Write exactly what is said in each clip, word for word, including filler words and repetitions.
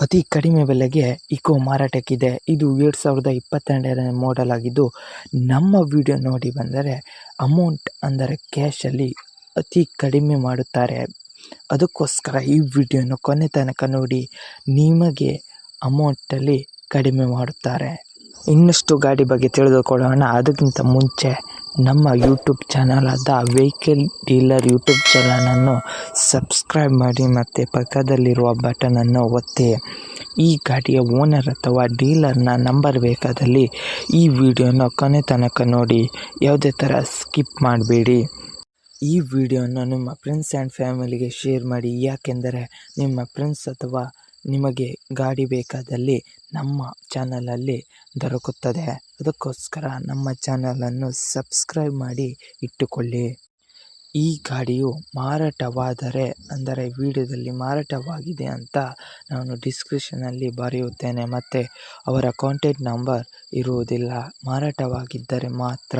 ಅತಿ ಕಡಿಮೆ ಬೆಲೆಗೆ ಇಕೋ ಮಾರಾಟಕ್ಕಿದೆ. ಇದು ಎರಡು ಸಾವಿರದ ಇಪ್ಪತ್ತೆರಡನೇ ಮಾಡೆಲ್ ಆಗಿದ್ದು, ನಮ್ಮ ವಿಡಿಯೋ ನೋಡಿ ಬಂದರೆ ಅಮೌಂಟ್ ಅಂದರೆ ಕ್ಯಾಶಲ್ಲಿ ಅತಿ ಕಡಿಮೆ ಮಾಡುತ್ತಾರೆ. ಅದಕ್ಕೋಸ್ಕರ ಈ ವಿಡಿಯೋನ ಕೊನೆ ತನಕ ನೋಡಿ, ನಿಮಗೆ ಅಮೌಂಟಲ್ಲಿ ಕಡಿಮೆ ಮಾಡುತ್ತಾರೆ. ಇನ್ನಷ್ಟು ಗಾಡಿ ಬಗ್ಗೆ ತಿಳಿದುಕೊಳ್ಳೋಣ. ಅದಕ್ಕಿಂತ ಮುಂಚೆ ನಮ್ಮ ಯೂಟ್ಯೂಬ್ ಚಾನಲ್ ಆದ ವೆಹಿಕಲ್ ಡೀಲರ್ ಯೂಟ್ಯೂಬ್ ಚಾನಲನ್ನು ಸಬ್ಸ್ಕ್ರೈಬ್ ಮಾಡಿ ಮತ್ತು ಪಕ್ಕದಲ್ಲಿರುವ ಬಟನನ್ನು ಒತ್ತಿ. ಈ ಗಾಡಿಯ ಓನರ್ ಅಥವಾ ಡೀಲರ್ನ ನಂಬರ್ ಬೇಕಾದಲ್ಲಿ ಈ ವಿಡಿಯೋನ ಕೊನೆ ತನಕ ನೋಡಿ, ಯಾವುದೇ ಥರ ಸ್ಕಿಪ್ ಮಾಡಬೇಡಿ. ಈ ವಿಡಿಯೋನ ನಿಮ್ಮ ಫ್ರೆಂಡ್ಸ್ ಆ್ಯಂಡ್ ಫ್ಯಾಮಿಲಿಗೆ ಶೇರ್ ಮಾಡಿ, ಯಾಕೆಂದರೆ ನಿಮ್ಮ ಫ್ರೆಂಡ್ಸ್ ಅಥವಾ ನಿಮಗೆ ಗಾಡಿ ಬೇಕಾದಲ್ಲಿ ನಮ್ಮ ಚಾನಲಲ್ಲಿ ದೊರಕುತ್ತದೆ. ಅದಕ್ಕೋಸ್ಕರ ನಮ್ಮ ಚಾನಲನ್ನು ಸಬ್ಸ್ಕ್ರೈಬ್ ಮಾಡಿ ಇಟ್ಟುಕೊಳ್ಳಿ. ಈ ಗಾಡಿಯು ಮಾರಾಟವಾದರೆ ಅಂದರೆ ವಿಡಿಯೋದಲ್ಲಿ ಮಾರಾಟವಾಗಿದೆ ಅಂತ ನಾನು ಡಿಸ್ಕ್ರಿಪ್ಷನಲ್ಲಿ ಬರೆಯುತ್ತೇನೆ, ಮತ್ತು ಅವರ ಕಾಂಟ್ಯಾಕ್ಟ್ ನಂಬರ್ ಇರುವುದಿಲ್ಲ. ಮಾರಾಟವಾಗಿದ್ದರೆ ಮಾತ್ರ.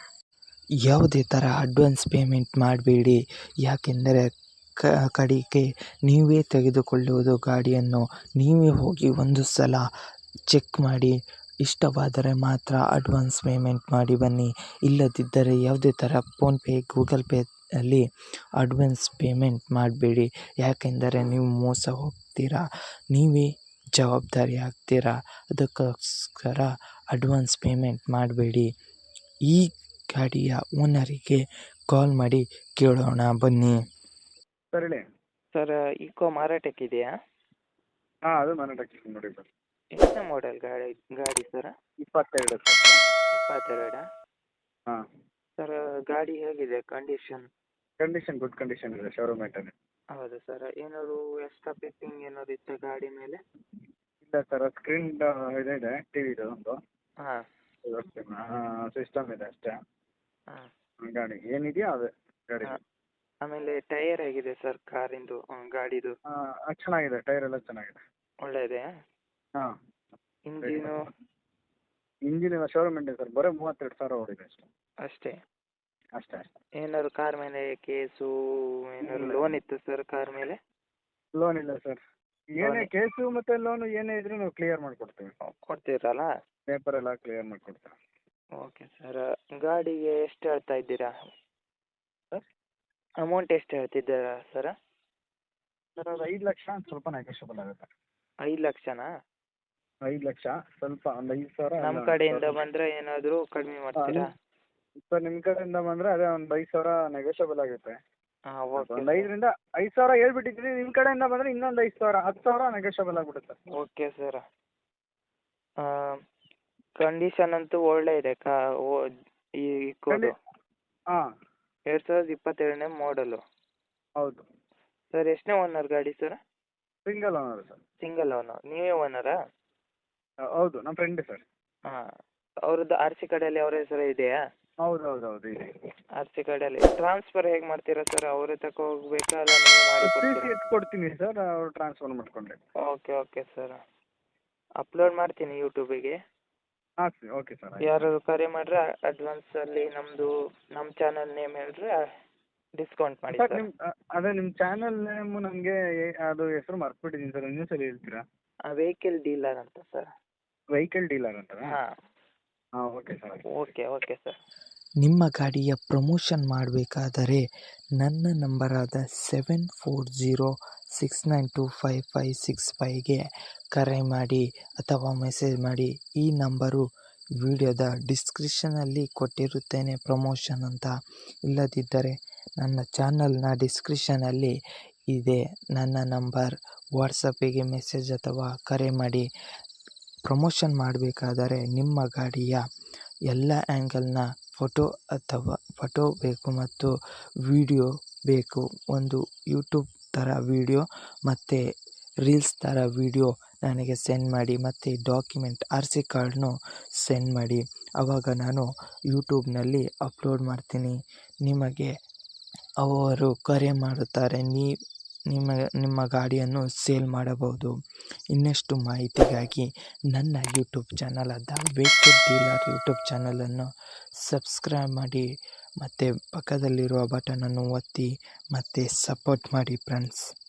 ಯಾವುದೇ ಥರ ಅಡ್ವಾನ್ಸ್ ಪೇಮೆಂಟ್ ಮಾಡಬೇಡಿ, ಯಾಕೆಂದರೆ ಕ ಕಡೆಗೆ ನೀವೇ ತೆಗೆದುಕೊಳ್ಳುವುದು ಗಾಡಿಯನ್ನು. ನೀವೇ ಹೋಗಿ ಒಂದು ಸಲ ಚೆಕ್ ಮಾಡಿ, ಇಷ್ಟವಾದರೆ ಮಾತ್ರ ಅಡ್ವಾನ್ಸ್ ಪೇಮೆಂಟ್ ಮಾಡಿ ಬನ್ನಿ. ಇಲ್ಲದಿದ್ದರೆ ಯಾವುದೇ ಥರ ಫೋನ್ಪೇ ಗೂಗಲ್ ಪೇ ಅಲ್ಲಿ ಅಡ್ವಾನ್ಸ್ ಪೇಮೆಂಟ್ ಮಾಡಬೇಡಿ, ಯಾಕೆಂದರೆ ನೀವು ಮೋಸ ಹೋಗ್ತೀರಾ, ನೀವೇ ಜವಾಬ್ದಾರಿ ಆಗ್ತೀರಾ. ಅದಕ್ಕೋಸ್ಕರ ಅಡ್ವಾನ್ಸ್ ಪೇಮೆಂಟ್ ಮಾಡಬೇಡಿ. ಈ ಗಾಡಿಯ ಓನರಿಗೆ ಕಾಲ್ ಮಾಡಿ ಕೇಳೋಣ ಬನ್ನಿ. ಸರ್ ಹೇಳಿ. ಸರ್, ಇಕೋ ಮಾರಾಟಕ್ಕಿದೆಯಾ? ಹಾಂ, ಅದು ಮಾರಾಟಕ್ಕೆ ನೋಡಿ ಸರ್. ಎಷ್ಟನೇ ಮಾಡೆಲ್ ಗಾಡಿ ಗಾಡಿ ಸರ್? ಇಪ್ಪತ್ತೆರಡು ಸರ್. ಇಪ್ಪತ್ತೆರಡಾ? ಹಾಂ. ಸರ್, ಗಾಡಿ ಹೇಗಿದೆ ಕಂಡೀಷನ್? ಕಂಡೀಷನ್ ಗುಡ್ ಕಂಡೀಷನ್ ಇದೆ, ಶೋರೂಮ್ ಮೇಂಟೆನ್. ಹೌದು ಸರ್. ಏನಾದ್ರು ಎಕ್ಸ್ಟ್ರಾ ಫಿಟ್ಟಿಂಗ್ ಏನಾದ್ರು ಇತ್ತ ಗಾಡಿ ಮೇಲೆ? ಇಲ್ಲ ಸರ್, ಸ್ಕ್ರೀನ್ ಇದೆ ಇದೆ ಟಿ ವಿದು ಒಂದು ಹಾಂ ಸಿಸ್ಟಮ್ ಇದೆ ಅಷ್ಟೇ. ಹಾಂ. ಗಾಡಿ ಏನಿದೆಯೋ ಅದೇ ಗಾಡಿ. ಆಮೇಲೆ ಟೈರ್ ಹೇಗಿದೆ ಸರ್ ಕಾರಿಂದು, ಗಾಡಿದು? ಹಾಂ, ಚೆನ್ನಾಗಿದೆ, ಟೈರ್ ಎಲ್ಲ ಚೆನ್ನಾಗಿದೆ. ಒಳ್ಳೆಯದೇ? ಹಾಂ. ಇಂಜಿನು? ಇಂಜಿನ್ ಎಲ್ಲ ಶೋರೂಮ್ ಮೇಂಟೆನ್ ಸರ್, ಬರೀ ಮೂವತ್ತೆರಡು ಸಾವಿರ ಓಡಿದೆ ಅಷ್ಟೇ. ಅಷ್ಟೇ? ಅಷ್ಟೇ ಅಷ್ಟೇ. ಏನಾದ್ರು ಕಾರ್ ಮೇಲೆ ಕೇಸು ಏನಾದ್ರು ಲೋನ್ ಇತ್ತು ಸರ್ ಕಾರ್ ಮೇಲೆ? ಲೋನ್ ಇಲ್ಲ ಸರ್. ಏನೇ ಕೇಸು ಮತ್ತು ಲೋನು ಏನೇ ಇದ್ರೂ ನಾವು ಕ್ಲಿಯರ್ ಮಾಡಿಕೊಡ್ತೀವಿ. ಕೊಡ್ತೀರಲ್ಲ? ಪೇಪರ್ ಎಲ್ಲ ಕ್ಲಿಯರ್ ಮಾಡಿಕೊಡ್ತೀವಿ. Okay sir. ಗಾಡಿಗೆ ಎಷ್ಟು ಹೇಳ್ತಾ ಇದ್ದೀರಾ ಸರ್? ಅಮೌಂಟ್ ಎಷ್ಟು ಹೇಳ್ತಿದ್ದೀರಾ ಸರ್? ಸರ್, ಅದು ಐದು ಲಕ್ಷ ಸ್ವಲ್ಪ ನೆಗೋಷಿಯಬಲ್ ಆಗುತ್ತೆ. ಐದು ಲಕ್ಷನಾ? ಐದು ಲಕ್ಷ ಸ್ವಲ್ಪ ಒಂದು ಐದು ಸಾವಿರ ನಮ್ಮ ಕಡೆಯಿಂದ ಬಂದರೆ ಏನಾದರೂ ಕಡಿಮೆ ಮಾಡ್ತೀರಾ? ಸರ್, ನಿಮ್ಮ ಕಡೆಯಿಂದ ಬಂದರೆ ಅದೇ ಒಂದು ಐದು ಸಾವಿರ ನೆಗೋಷಿಯಬಲ್ ಆಗುತ್ತೆ. ಹಾಂ, ಓಕೆ. ಒಂದು ಐದರಿಂದ ಐದು ಸಾವಿರ ಹೇಳ್ಬಿಟ್ಟಿದ್ದೀನಿ. ನಿಮ್ಮ ಕಡೆಯಿಂದ ಬಂದರೆ ಇನ್ನೊಂದು ಐದು ಸಾವಿರ ಹತ್ತು ಸಾವಿರ ನೆಗೋಷಿಯಬಲ್ ಆಗಿಬಿಡುತ್ತೆ. Okay sir. ಕಂಡೀಷನ್ ಅಂತೂ ಒಳ್ಳೆ ಇದೆ ಕಾ ಓ ಈ ಕೋಡು. ಹಾಂ, ಎರಡು ಸಾವಿರದ ಇಪ್ಪತ್ತೆರಡನೇ ಮಾಡಲು. ಹೌದು ಸರ್. ಎಷ್ಟನೇ ಓನರ್ ಗಾಡಿ sir? Single owner sir. Single owner. ನೀವೇ ಓನರಾ? ಹೌದು, ನಮ್ಮ ಫ್ರೆಂಡ್ ಸರ್. ಹಾಂ. ಅವ್ರದ್ದು ಆರ್ ಸಿ ಕಾರ್ಡಲ್ಲಿ ಅವರ ಹೆಸರು ಇದೆಯಾ? ಹೌದು ಹೌದು ಹೌದು ಇದೆ. ಆರ್ ಸಿ ಕಾರ್ಡಲ್ಲಿ ಟ್ರಾನ್ಸ್ಫರ್ ಹೇಗೆ ಮಾಡ್ತೀರಾ ಸರ್? ಅವರೇ ತಗೋ ಹೋಗ್ಬೇಕಾ ಅಲ್ಲ ನೀವೇ ಮಾಡಿ ಟಿ ಸಿ ಕೊಡ್ತೀರಾ? ಎತ್ ಕೊಡ್ತೀನಿ ಸರ್, ಅವ್ರು ಟ್ರಾನ್ಸ್ಫರ್ ಮಾಡ್ಕೊಂಡ್ರೆ. Okay okay sir. ಅಪ್ಲೋಡ್ ಮಾಡ್ತೀನಿ ಯೂಟ್ಯೂಬಿಗೆ. ಹಾಂ ಸರ್, ಓಕೆ ಸರ್. ಯಾರು ಕರೆ ಮಾಡಿದ್ರೆ ಅಡ್ವಾನ್ಸಲ್ಲಿ ನಮ್ಮದು ನಮ್ಮ ಚಾನಲ್ ನೇಮ್ ಹೇಳಿದ್ರೆ ಡಿಸ್ಕೌಂಟ್ ಮಾಡಿ ಸರ್. ಸರ್. ನಿಮ್ಮ ಅದೇ ನಿಮ್ಮ ಚಾನಲ್ ನೇಮು ನನಗೆ ಅದು ಹೆಸರು ಮರ್ತ್ಬಿಟ್ಟಿದ್ದೀನಿ ಸರ್, ಇನ್ನೂ ಸಲ ಹೇಳ್ತೀರಾ? ವೆಹಿಕಲ್ ಡೀಲರ್ ಅಂತ ಸರ್. ವೆಹಿಕಲ್ ಡೀಲರ್ ಅಂತ? ಹಾಂ. ಹಾಂ, okay sir. Okay okay sir. ನಿಮ್ಮ ಗಾಡಿಯ ಪ್ರಮೋಷನ್ ಮಾಡಬೇಕಾದರೆ ನನ್ನ ನಂಬರಾದ seven four zero six nine two five five six ಫೈವ್ಗೆ ಕರೆ ಮಾಡಿ ಅಥವಾ ಮೆಸೇಜ್ ಮಾಡಿ. ಈ ನಂಬರು ವಿಡಿಯೋದ ಡಿಸ್ಕ್ರಿಪ್ಷನಲ್ಲಿ ಕೊಟ್ಟಿರುತ್ತೇನೆ ಪ್ರಮೋಷನ್ ಅಂತ. ಇಲ್ಲದಿದ್ದರೆ ನನ್ನ ಚಾನಲ್ನ ಡಿಸ್ಕ್ರಿಪ್ಷನಲ್ಲಿ ಇದೆ ನನ್ನ ನಂಬರ್. ವಾಟ್ಸಪ್ಪಿಗೆ ಮೆಸೇಜ್ ಅಥವಾ ಕರೆ ಮಾಡಿ. ಪ್ರಮೋಷನ್ ಮಾಡಬೇಕಾದರೆ ನಿಮ್ಮ ಗಾಡಿಯ ಎಲ್ಲ ಆ್ಯಂಗಲ್ನ ಫೋಟೋ ಅಥವಾ ಫೋಟೋ ಬೇಕು ಮತ್ತು ವಿಡಿಯೋ ಬೇಕು. ಒಂದು ಯೂಟ್ಯೂಬ್ ಥರ ವಿಡಿಯೋ ಮತ್ತು ರೀಲ್ಸ್ ಥರ ವಿಡಿಯೋ ನನಗೆ ಸೆಂಡ್ ಮಾಡಿ, ಮತ್ತು ಡಾಕ್ಯುಮೆಂಟ್ ಆರ್ ಸಿ ಕಾರ್ಡ್ನು ಸೆಂಡ್ ಮಾಡಿ. ಆವಾಗ ನಾನು ಯೂಟ್ಯೂಬ್ನಲ್ಲಿ ಅಪ್ಲೋಡ್ ಮಾಡ್ತೀನಿ. ನಿಮಗೆ ಅವರು ಕರೆ ಮಾಡುತ್ತಾರೆ, ನೀ ನಿಮ್ಮ ನಿಮ್ಮ ಗಾಡಿಯನ್ನು ಸೇಲ್ ಮಾಡಬಹುದು. ಇನ್ನಷ್ಟು ಮಾಹಿತಿಗಾಗಿ ನನ್ನ ಯೂಟ್ಯೂಬ್ ಚಾನಲ್ ಆದ ವೆಹಿಕಲ್ ಡೀಲರ್ ಯೂಟ್ಯೂಬ್ ಚಾನಲನ್ನು ಸಬ್ಸ್ಕ್ರೈಬ್ ಮಾಡಿ ಮತ್ತು ಪಕ್ಕದಲ್ಲಿರುವ ಬಟನನ್ನು ಒತ್ತಿ ಮತ್ತು ಸಪೋರ್ಟ್ ಮಾಡಿ ಫ್ರೆಂಡ್ಸ್.